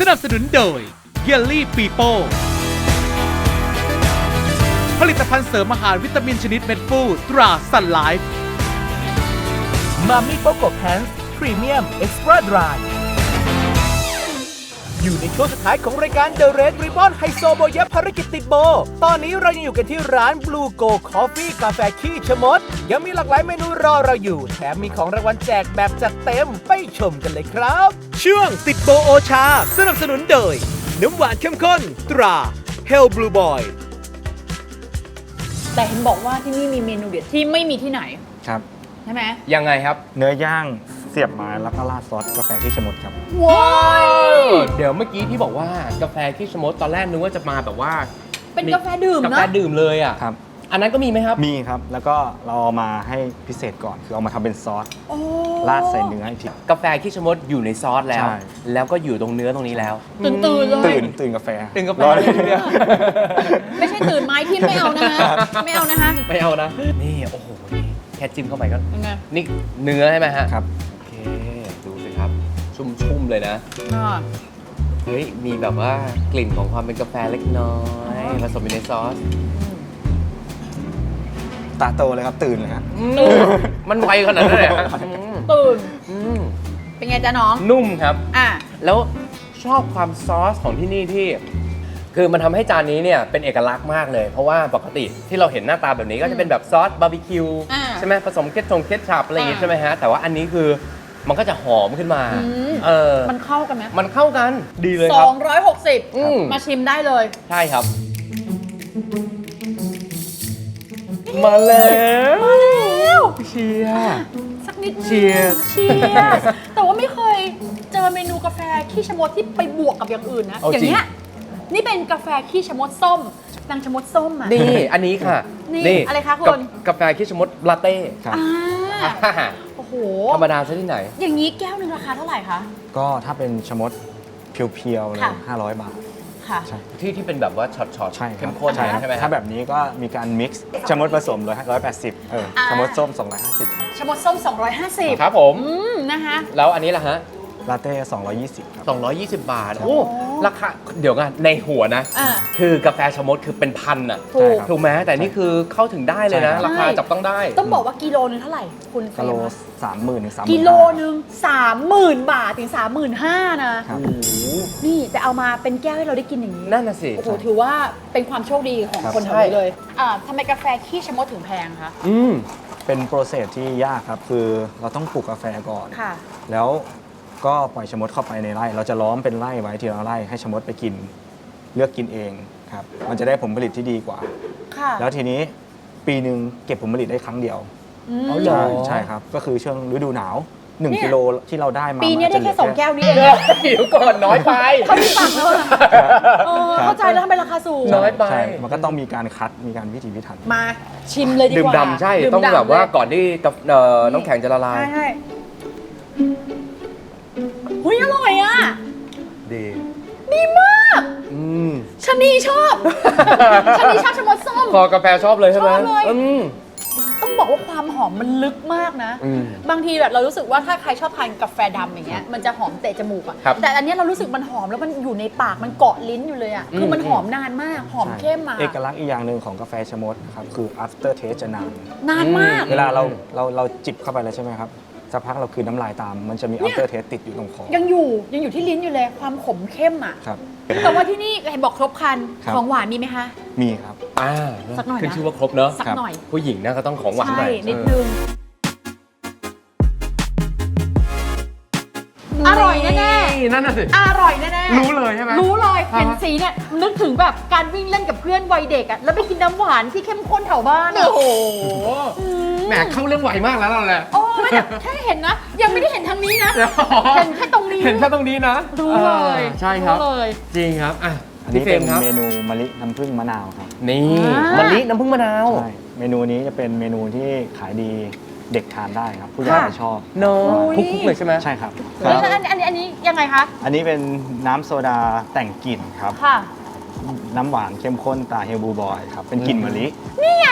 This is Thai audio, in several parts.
นับสนุนโดยเยลลี่ปีโป้ผลิตภัณฑ์เสริมอาหารวิตามินชนิดเม็ดฟูตราซันไลฟ์มามิโปโกแพนส์พรีเมียมเอ็กซ์ตร้าดรายอยู่ในช่วงสุดท้ายของรายการ The Red Ribbon ไฮโซโบยะภารกิจติดโบตอนนี้เรายังอยู่กันที่ร้าน Blue Go Coffee กาแฟขี้ชะมดยังมีหลากหลายเมนูรอเราอยู่แถมมีของรางวัลแจกแบบจัดเต็มไปชมกันเลยครับ ช่วงติดโบโอชาสนับสนุนโดยน้ำหวานเข้มข้นตรา Hell Blue Boy แต่เห็นบอกว่าที่นี่มีเมนูเด็ดที่ไม่มีที่ไหนครับใช่ไหมยังไงครับเนื้อย่างเสียบไม้แล้วก็ราดซอสกาแฟขี้ชะมดครับว้าวเดี๋ยวเมื่อกี้ที่บอกว่ากาแฟขี้ชะมดตอนแรกนึกว่าจะมาแบบว่าเป็นกาแฟดื่มกานะแฟดื่มเลยอ่ะครับอันนั้นก็มีไหมครับมีครับแล้วก็เราเอามาให้พิเศษก่อนคือเอามาทำเป็นซอสโอ้ราดใส่เนื้ออีกทีกาแฟขี้ชะมดอยู่ในซอสแล้วใช่แล้วก็อยู่ตรงเนื้อตรงนี้แล้วตื่นเลยตื่นกาแฟตื่นกาแฟรอเลยเนี่ยไม่ใช่ตื่นไม้ที่ไม่เอานะฮะไม่เอานะฮะไม่เอานะ นี่โอ้โหนี่แค่จิ้มเข้าไปก็ยังไงนี่เนื้อใช่ไหมฮะครับโอเคดูสิครับ ชุ่มๆเลยนะอ่าเฮ้ยมีแบบว่ากลิ่นของความเป็นกาแฟเล็กน้อยผสมอยู่ในซอสตาโตเลยครับตื่นเลยฮะมันไวขนาดนั้นเลยเหรอฮะตื่นอืมเป็นไงจ๊ะน้องนุ่มครับอ่ะแล้วชอบความซอสของที่นี่ที่ คือมันทำให้จานนี้เนี่ยเป็นเอกลักษณ์มากเลย เพราะว่าปกติที่เราเห็นหน้าตาแบบนี้ก็จะเป็นแบบซอสบาร์บีคิวอ่าใช่ไหมผสมเคทชัพอะไรอย่างงี้อ่าใช่ไหมฮะแต่ว่าอันนี้คือมันก็จะหอมขึ้นมาอืมเออมันเข้ากันไหมมันเข้ากันดีเลยครับ อืม 260 มาชิมได้เลยใช่ครับ มาแล้วเชียร์สักนิดนึง Cheers เชียร์แต่ว่าไม่เคยเจอเมนูกาแฟขี้ชะมดที่ไปบวกกับอย่างอื่นนะเอาอย่างจริงเงี้ยนี่เป็นกาแฟขี้ชะมดส้มนางชะมดส้มอ่ะนี่อันนี้ค่ะนี่อะไรคะคุณกาแฟคิชมดลาเต้ครับอ่าโอ้โหธรรมดาซะที่ไหนอย่างนี้แก้วหนึ่งราคาเท่าไหร่คะก็ถ้าเป็นชะมดเพียวๆเลยค่ะ 500 บาทค่ะใช่ที่เป็นแบบว่าช็อตใช่คเข้รับมข้นใช่ครับใช่ไหมฮะถ้าแบบนี้ก็มีการมิกซ์ชะมดผสม180ชะมดส้ม250ครับชะมดส้ม 250 ครับผมนะคะแล้วอันนี้ล่ะฮะลาเต้220ครับ 220 บาท โอ้ ราคา เดี๋ยวกันในหัวนะอ่าคือกาแฟชะมดคือเป็นพันอ่ะถูกครับถูกไหมแต่นี่คือเข้าถึงได้เลยนะใช่ครับราคาจับต้องได้ต้องบอกว่ากิโลนึงเท่าไหร่ คุณเฟรกิโลมคะ 30,000ถึง35,000 กิโลนึง 30,000 บาทถึง 35,000 นะครับโอ้โหนี่แต่เอามาเป็นแก้วให้เราได้กินอย่างนี้นั่นน่ะสิโอ้โหถือว่าเป็นความโชคดีของครับคนแถวนี้เลยทำไมกาแฟขี้ชะมดถึงแพงคะอืมเป็นโปรเซสที่ยากครับ คือเราต้องปลูกกาแฟก่อนค่ะแล้วก็ปล่อยชะมดเข้าไปในไร่ เราจะล้อมเป็นไร่ไว้ทีละไร่ให้ชะมดไปกิน เลือกกินเองครับ มันจะได้ผลผลิตที่ดีกว่าค่ะแล้วทีนี้ปีหนึ่งเก็บผลผลิตได้ครั้งเดียวอืมเอาเหรอใช่ครับ ก็คือช่วงฤดูหนาวเนี่ย 1 กิโลที่เราได้มาปีนี้มัได้จะเหแค่ลื 2 แก้วนี้เองเดี๋ยวก่อนน้อยไปเขาที่ฟังแล้วอะเข้าใจแล้วทำไมราคาสูงน้อยไปใช่ มันก็ต้องมีการคัด มีการพิถีพิถันมาชิมเลยดีกว่าดื่มดำใช่ดื่มต้องดำแบบว่าเลยก่อนที่กับน้ำแข็งจะละลายใช่ใช่หุยอร่อยอ่ะดีดีมากอืมชะนีชอบชะนีชอบชะมดส้มคอกาแฟชอบเลยใช่ไหมชอบเลยอืมต้องบอกว่าความหอมมันลึกมากนะอืมบางทีแบบเรารู้สึกว่าถ้าใครชอบทานกาแฟดำอย่างเงี้ยมันจะหอมเตะจมูกอะครับแต่อันเนี้ยเรารู้สึกมันหอมแล้วมันอยู่ในปากมันเกาะลิ้นอยู่เลยอะคือมันหอมนานมากหอมใช่เข้มมาเอกลักษณ์อีกอย่างหนึ่งของกาแฟชะมดนะครับ คือ after taste จะนานนานมากเวลาเราจิบเข้าไปแล้วใช่ไหมครับ สักพักเราคืนน้ำลายตาม มันจะมี after taste ติดอยู่ตรงคอยังอยู่ที่ลิ้นอยู่เลยความขมเข้มอะครับแต่ว่าที่นี่เห็นบอกครบครันครับของหวานมีไหมคะมีครับสักหน่อยนะขึ้นชื่อว่าครบเนอะสักหน่อยผู้หญิงนะก็ต้องของหวานหใช่น่อยนิดนึงอร่อยแน่นั่นน่ะสิๆอร่อยแน่ๆรู้เลยใช่ไหมรู้เลยอ่าฮะเห็นสีเนี่ยนึกถึงแบบการวิ่งเล่นกับเพื่อนวัยเด็กอะแล้วไปกินน้ำหวานที่เข้มข้นแถวบ้านอะโอ้โหอืมแหมเข้าเรื่องไวมากแล้วเราแหละโอ้ไม่แต่แค่เห็นนะ ยังไม่ได้เห็นทางนี้นะ เห็นแค่ตรงนี้เห็นแค่ตรงนี้นะรู้เลยใช่ครับรู้เลยจริงครับอ่ะอันพี่นี้เฟรเป็มนครับเมนูมะลิน้ำผึ้งมะนาวครับนี่อ่ามมะลิน้ำผึ้งมะนาวใช่ เมนูนี้จะเป็นเมนูที่ขายดีเด็กทานได้ครับ ผู้ใหญ่ค่ะจะชอบเนอะโอ้ยคุกๆเลยใช่ไหมใช่ครับแล้วอันนี้ยังไงคะอันนี้เป็นน้ำโซดาแต่งกลิ่นครับค่ะน้ำหวานเข้มข้นตาเฮลบูบอยครับ เป็นกลิ่นมะลินี่ไง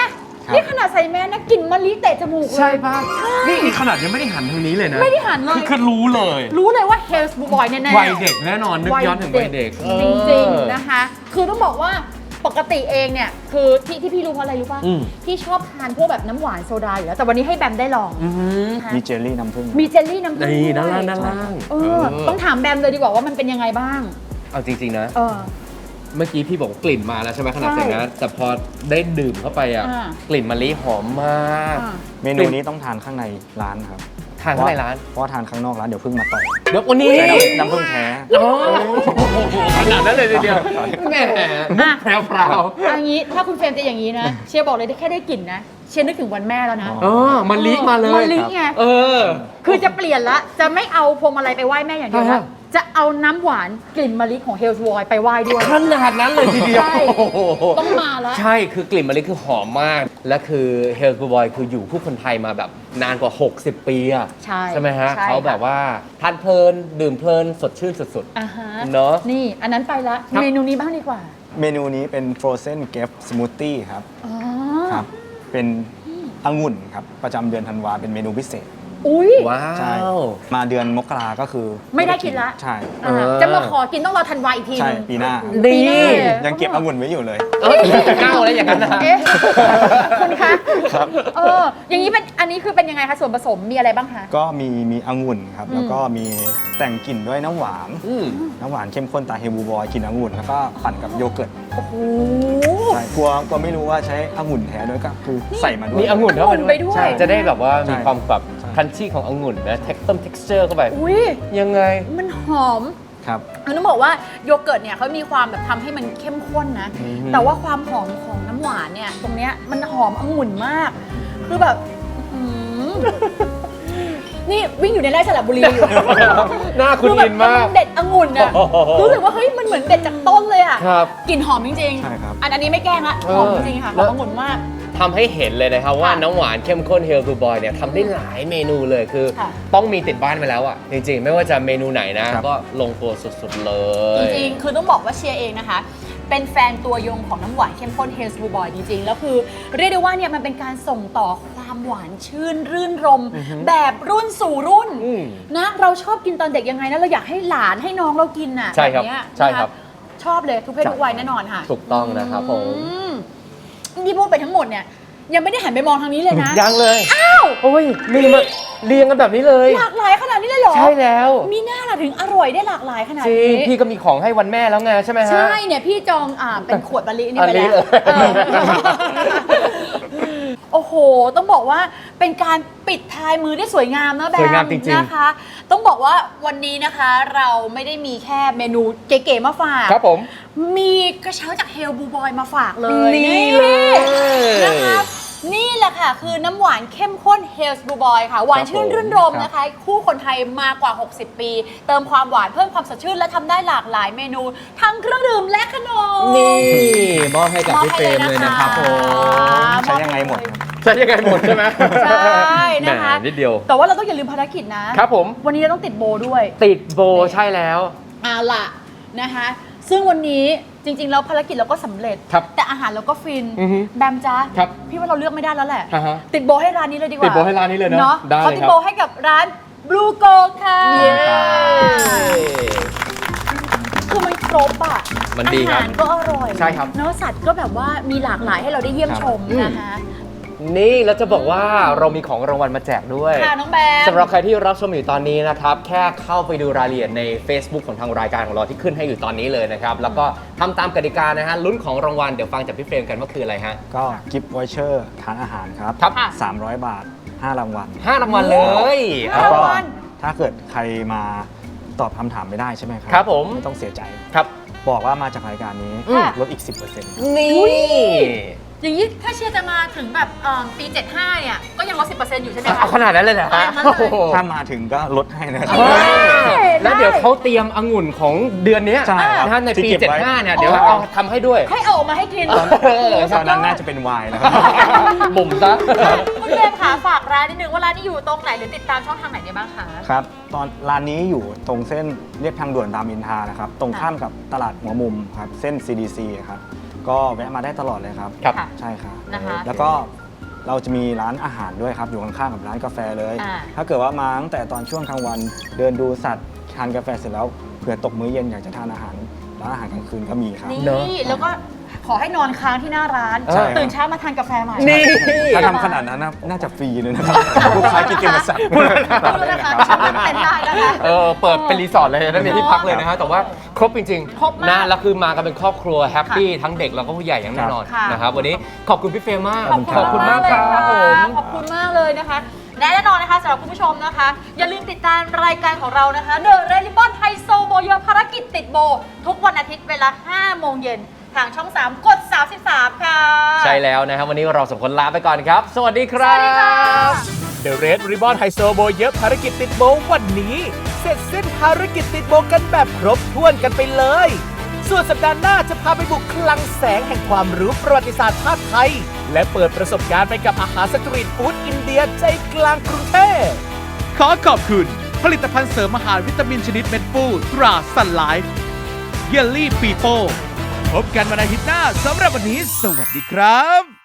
นี่ขนาดใส่แมสนะกลิ่นมะลิเตะจมูกเลยใช่ป่ะนี่ขนาดยังไม่ได้หันทางนี้เลยนะไม่ได้หันเลยคือรู้เลยรู้เลยว่า Health Boy แน่ๆวัยเด็กแน่นอนนึกย้อนถึงวัยเด็กจริงๆนะคะ คือต้องบอกว่าปกติเองเนี่ยคือที่พี่รู้เพราะอะไรรู้ป่ะอืมพี่ชอบทานพวกแบบน้ำหวานโซดาอยู่แล้วแต่วันนี้ให้แบมได้ลองอืมนะคะมีเจลลี่น้ำผึ้งมีเจลลี่น้ำผึ้งนี่ด้านด้วยล่างด้านล่างต้องถามแบมเลยดีกว่าว่ามันเป็นยังไงบ้างเอาจริงๆนะเออเมื่อกี้พี่บอกว่ากลิ่นมาแล้วใช่ไหมขนาดใช่ใส่นะแต่พอได้ดื่มเข้าไปอ่ะอ่ากลิ่นมะลิหอมมากอ่าเมนูนี้ต้องทานข้างในร้านครับทานข้างในร้านเพราะว่าทานข้างนอกร้านเดี๋ยวพึ่งมาต่อยเดี๋ยววันนี้ใช้น้ำผึ้งแท้โอ้โหขนาดนั้นเลยทีเดียวแหมมุกแพรวอันนี้ถ้าคุณเฟรมจะอย่างนี้นะ เชียร์บอกเลยแค่ได้กลิ่นนะ เชียร์นึกถึงวันแม่แล้วนะๆอ๋อมะลิมาเลยมะลิไงเออคือจะเปลี่ยนละ จะไม่เอาพวงมาลัยไปไหว้แม่อย่างเดียวอ่าละจะเอาน้ำหวานกลิ่นมะลิของเฮลส์วอยไปไหว้ด้วยขนาดนั้นเลยทีเดียวใช่โอ้โหต้องมาละใช่คือกลิ่นมะลิคือหอมมาก และคือเฮลส์บอยคืออยู่คู่คนไทยมาแบบนานกว่า 60 ปีอะใช่ไหมฮะใช่เขาแบบค่ะว่าทานเพลิน ดื่มเพลิน สดชื่นสุดอ่าฮะเนอะนี่อันนั้นไปละครับเมนูนี้บ้างดีกว่าเมนูนี้เป็น frozen grape smoothie ครับอ๋อครับ เป็นองุ่นครับ ประจำเดือนธันวาเป็นเมนูพิเศษอุ้ยว้าใช่วมาเดือนมกราก็คือไม่ได้กินละใช่อ่าเออจะมาขอกินต้องรอธันวาอีกทีใช่นึงปีหน้าปีหน้าเลยยังเก็บองุ่นไว้อยู่เลยเอ้ยเก้าแล้วอย่างนั้นนะเอ๊ะคุณคะครับอย่างนี้เป็นอันนี้คือเป็นยังไงคะส่วนผสมมีอะไรบ้างคะก็มีองุ่นครับ แล้วก็มีแต่งกลิ่นด้วยน้ำหวานอืมน้ำหวานเข้มข้นตาเฮบูบอยกลิ่นองุ่นแล้วก็ปั่นกับโยเกิร์ตโอ้โหใช่กลัวไม่รู้ว่าใช้องุ่นแท้ด้วยก็คือใส่มาด้วยมีองุ่นเข้าองุ่นไปด้วยใช่จะได้แบบว่ามีใช่ความแบบใช่คันชี่ขององุ่นนะtexture เข้าไปอุ้ยยังไงมันหอมครับต้องบอกว่าโยเกิร์ตเนี่ยเขามีความแบบทำให้มันเข้มข้นนะ แต่ว่าความหอมของน้ำหวานเนี่ยตรงเนี้ยมันหอมองุ่นมาก คือแบบอื้อหือนี่วิ่งอยู่ในไร่สระบุรีอยู่หน้าคุณคือแบอิบนมากเด็ดองุ่นอะโอ้โหรู้สึกว่าเฮ้ยมันเหมือนเด็ดจากต้นเลยอะครับกลิ่นหอมจริงใช่ครับอันนี้ไม่แกล้งละหอมจริงๆค่ะหแล้อวมองุ่นมากทำให้เห็นเลยนะครับว่าค่ะน้ำหวานเข้มข้นเฮลทูบอยเนี่ยทำได้หลายเมนูเลยคือค่ะต้องมีติดบ้านไปแล้วอ่ะ จริงๆ ไม่ว่าจะเมนูไหนนะครับก็ลงตัวสุดๆเลยจริงๆ คือต้องบอกว่าเชียร์เองนะคะ เป็นแฟนตัวยงของน้ำหวานเข้มข้นเฮลส์บูบอยจริงๆ แล้วคือเรียกได้ว่าเนี่ยมันเป็นการส่งต่อความหวานชื่นรื่นรม แบบรุ่นสู่รุ่นอืมนะเราชอบกินตอนเด็กยังไงนะเราอยากให้หลานให้น้องเรากินน่ะใช่ครับแเนี้ยใช่ครับนะคะชอบเลยทุกเพศทุกวัยแน่นอนค่ะถูกต้องนะครับผมอืมที่พูดไปทั้งหมดเนี่ยยังไม่ได้หันไปมองทางนี้เลยนะยังเลยอ้าวโอ้ยมีมาเรียงกันแบบนี้เลยหลากหลายขนาดนี้เลยเหรอใช่แล้วมีหน้าล่ะถึงอร่อยได้หลากหลายขนาดจริงนี้พี่ก็มีของให้วันแม่แล้วไงใช่ไหมฮะใช่เนี่ยพี่จองเป็นขวดมะลินี่ไปอันนี้แล้วเลยเออโอ้โห ต้องบอกว่าเป็นการปิดท้ายมือได้สวยงามนะแบมสวยงามจริงๆนะคะ ต้องบอกว่าวันนี้นะคะเราไม่ได้มีแค่เมนูเก๋ๆมาฝากครับผมมีกระเช้าจากเฮลบูบอยมาฝากเลยนี่เลยนะคะนี่แหละค่ะ คือน้ำหวานเข้มข้นเฮลส์บูบอยค่ะ หวานชื่นรื่นรมนะคะ คู่คนไทยมากว่า 60 ปี เติมความหวานเพิ่มความสดชื่นและทำได้หลากหลายเมนู ทั้งเครื่องดื่มและขนมนี่มอบให้กับพี่เฟรมเลยนะครับผมใช้ยังไงหมดครับใช่ยังไงหมดใช่ไหมใช่นะคะแหมนิดเดียวแต่ว่าเราต้องอย่าลืมภารกิจนะครับผมวันนี้เราต้องติดโบด้วยติดโบใช่แล้วเอาล่ะนะคะ ซึ่งวันนี้จริงๆแล้วภารกิจเราก็สำเร็จครับแต่อาหารเราก็ฟินอือฮึแบมจ้าครับพี่ว่าเราเลือกไม่ได้แล้วแหละอ่าฮะติดโบให้ร้านนี้เลยดีกว่าติดโบให้ร้านนี้เลยเนอะได้เขาเลยติดครับโบให้กับร้าน Blue g o ค่ะเย้คือมันครบอ่ะมันดีครับอาหารก็อร่อยใช่ครับเนื้อสัตว์ก็แบบว่ามีหลากหลายให้เราได้เยี่ยมชมอืมนะคะนี่เราจะบอกว่าเรามีของรางวัลมาแจกด้วยค่ะน้องแบมสำหรับใครที่รับชมอยู่ตอนนี้นะครับ แค่เข้าไปดูรายละเอียดใน Facebook ของทางรายการของเราที่ขึ้นให้อยู่ตอนนี้เลยนะครับ แล้วก็ทำตามกติกานะฮะลุ้นของรางวัลเดี๋ยวฟังจากพี่เฟรมกันว่าคืออะไรฮะก็กิฟต์วอเชอร์ทานอาหารครับครับ 300 บาท 5 รางวัล 5 รางวัลเลยห้าแล้วก็รางวัลถ้าเกิดใครมาตอบคำถามไม่ได้ใช่ไหมครัครับผมไม่ต้องเสียใจครับบอกว่ามาจากรายการนี้ค่ะลดอีก 10% นี่อย่างนี้ถ้าเชียร์จะมาถึงแบบปี 75 เนี่ย ก็ยังลด 10% อยู่ใช่ไหมคะเอาขนาดนั้นเลยเหรอฮะขนาดนั้นเลยโอ้โหถ้ามาถึงก็ลดให้นะครับแล้วเดี๋ยวเขาเตรียมองุ่นของเดือนเนี้ยใช่ครับนะฮะในปีที่เก็บไว้ 75 เนี่ยเดี๋ยวเอาทำให้ด้วยให้เอาออกมาให้กินตอนนั้นน่าจะเป็นไวน์นะครับบ่มซะคุณเฟรมค่ะฝากร้านนิดนึงว่าร้านนี้อยู่ตรงไหนหรือติดตามช่องทางไหนได้บ้างคะครับ ตอนร้านนี้อยู่ตรงเส้นเรียบทางด่วนรามอินทรานะครับ ตรงข้ามกับตลาดหัวมุมครับ เส้น CDC ครับ ก็แวะมาได้ตลอดเลยครับครับค่ะใช่ครับนะคะแล้วก็เราจะมีร้านอาหารด้วยครับอยู่ข้างๆกับร้านกาแฟเลยอ่าถ้าเกิดว่ามาตั้งแต่ตอนช่วงกลางวัน เดินดูสัตว์ทานกาแฟเสร็จแล้วเผื่อตกมื้อเย็นอยากจะทานอาหารร้านอาหารกลางคืนก็มีครับนี่เนอะแล้วก็ขอให้นอนค้างที่หน้าร้านใช่ตื่นเช้ามาทานกาแฟใหม่นี่ถ้าทำขนาดนั้นน่าจะฟรีเลยนะครับลูกค้ากินเกมสัตว์พูดนะคะชมเต็นได้นะคะเปิดเป็นรีสอร์ทเลยนะมีที่พักเลยนะฮะแต่ว่าครบจริงครบมากนะแล้วคือมากันเป็นครอบครัวแฮปปี้ทั้งเด็กแล้วก็ผู้ใหญ่อย่างแน่นอนค่ะนะครับวันนี้ขอบคุณพี่เฟรมมากขอบคุณมากเลยครับค่ะผมขอบคุณมากเลยนะคะและแน่นอนนะคะสำหรับคุณผู้ชมนะคะ อย่าลืมติดตามรายการของเรานะคะ The Red Ribbon ไฮโซโบเยภารกิจติดโบ ทุกวันอาทิตย์เวลา 5 โมงเย็นทางช่อง 3 กด 33 ค่ะใช่แล้วนะครับวันนี้เราสองคนลาไปก่อนครับ สวัสดีคสรัวัสดีค่ะบ The Red Ribbon ไฮโซโบเยอะภารกิจติดโบวันนี้ เสร็จสิ้นภารกิจติดโบกันแบบครบถ้วนกันไปเลย ส่วนสัปดาห์หน้าจะพาไปบุกคลังแสงแห่งความรู้ประวัติศาสตร์ชาติไทย และเปิดประสบการณ์ไปกับอาหารสตรีทฟู้ดอินเดียใจกลางกรุงเทพขอขอบคุณ ผลิตภัณฑ์เสริมอาหารวิตามินชนิดเม็ดฟูตราซันไลฟ์เยลลี่ปีโป้พบกันวันอาทิตย์หน้าสำหรับวันนี้สวัสดีครับ